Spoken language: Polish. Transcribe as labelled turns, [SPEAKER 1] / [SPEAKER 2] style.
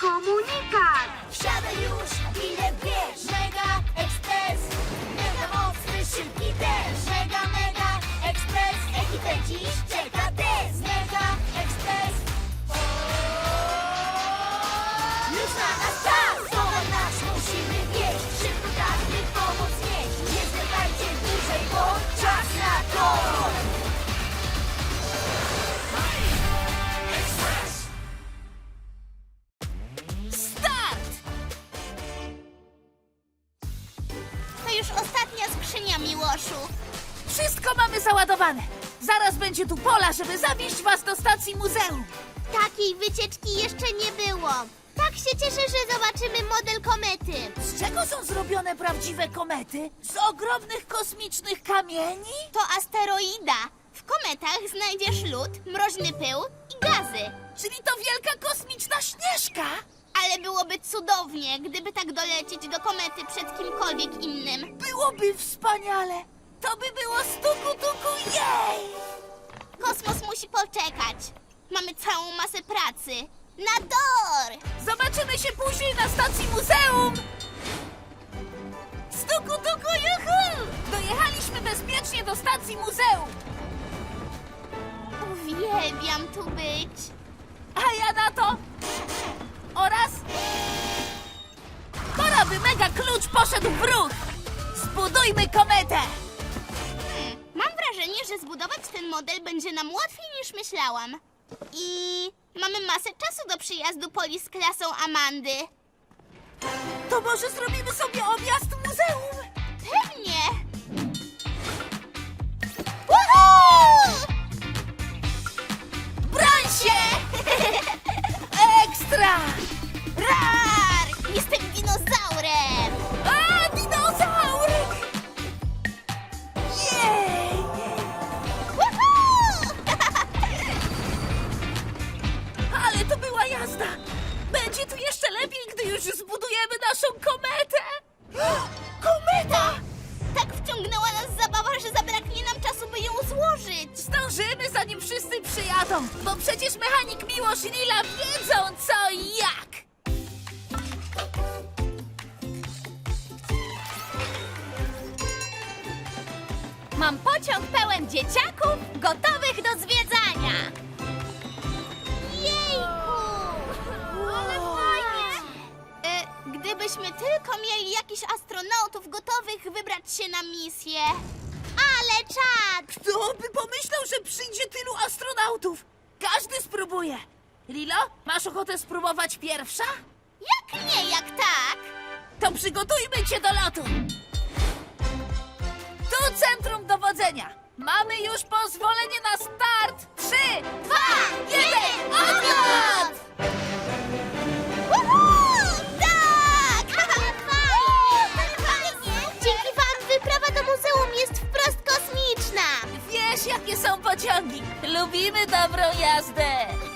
[SPEAKER 1] komunikat!
[SPEAKER 2] Wsiadaj już, bilet bierz. Mega Express, mega mocny, szybki też. Mega, mega Express, ekipę dziś czeka test. Mega Express, już na nas czas. Towar nasz musimy wieść, szybko każdy pomoc nieść. Nie zwlekajcie dłużej, bo czas na to.
[SPEAKER 3] Start!
[SPEAKER 4] To już ostatnia skrzynia, Miłoszu.
[SPEAKER 3] Wszystko mamy załadowane. Zaraz będzie tu pola, żeby zawieźć was do stacji muzeum.
[SPEAKER 4] Takiej wycieczki jeszcze nie było. Tak się cieszę, że zobaczymy model komety.
[SPEAKER 3] Z czego są zrobione prawdziwe komety? Z ogromnych kosmicznych kamieni?
[SPEAKER 4] To asteroida. W kometach znajdziesz lód, mroźny pył i gazy.
[SPEAKER 3] Czyli to wielka kosmiczna śnieżka?
[SPEAKER 4] Ale byłoby cudownie, gdyby tak dolecieć do komety przed kimkolwiek innym.
[SPEAKER 3] Byłoby wspaniale. To by było stuku tuku jej!
[SPEAKER 4] Kosmos musi poczekać. Mamy całą masę pracy. Na dor!
[SPEAKER 3] Zobaczymy się później na stacji muzeum! Stuku tuku juhu! Dojechaliśmy bezpiecznie do stacji muzeum.
[SPEAKER 4] Uwielbiam tu być.
[SPEAKER 3] A ja na to... Oraz... Pora by mega klucz poszedł w ruch! Zbudujmy kometę!
[SPEAKER 4] Mam wrażenie, że zbudować ten model będzie nam łatwiej niż myślałam. I mamy masę czasu do przyjazdu Poli z klasą Amandy.
[SPEAKER 3] To może zrobimy sobie objazd muzeum?
[SPEAKER 4] Pewnie! Woohoo!
[SPEAKER 3] Broń się! Ekstra!
[SPEAKER 4] Rar! Jestem dinozaurem!
[SPEAKER 3] A, dinozaur! Jej!
[SPEAKER 4] Woohoo!
[SPEAKER 3] Ale to była jazda! Będzie tu jeszcze lepiej, gdy już zbudujemy naszą kometę! Kometa!
[SPEAKER 4] Tak wciągnęła nas zabawa, że zabraknie nam czasu, by ją złożyć.
[SPEAKER 3] Zdążymy, zanim wszyscy przyjadą, bo przecież mechanik Miłosz i Lila wiedzą co i jak!
[SPEAKER 4] Mam pociąg pełen dzieciaków, gotowych do zwiedzania. Jejku! Ale fajnie! Gdybyśmy tylko mieli jakichś astronautów gotowych wybrać się na misję. Ale czad!
[SPEAKER 3] Kto by pomyślał, że przyjdzie tylu astronautów? Każdy spróbuje. Lilo, masz ochotę spróbować pierwsza?
[SPEAKER 4] Jak nie, jak tak?
[SPEAKER 3] To przygotujmy cię do lotu. Tu centrum dowodzenia. Mamy już pozwolenie na start. 3, 2, 1, odlot!
[SPEAKER 4] Woohoo! Tak! Fajnie! Dzięki wam wyprawa do muzeum jest wprost kosmiczna!
[SPEAKER 3] Wiesz, jakie są pociągi. Lubimy dobrą jazdę.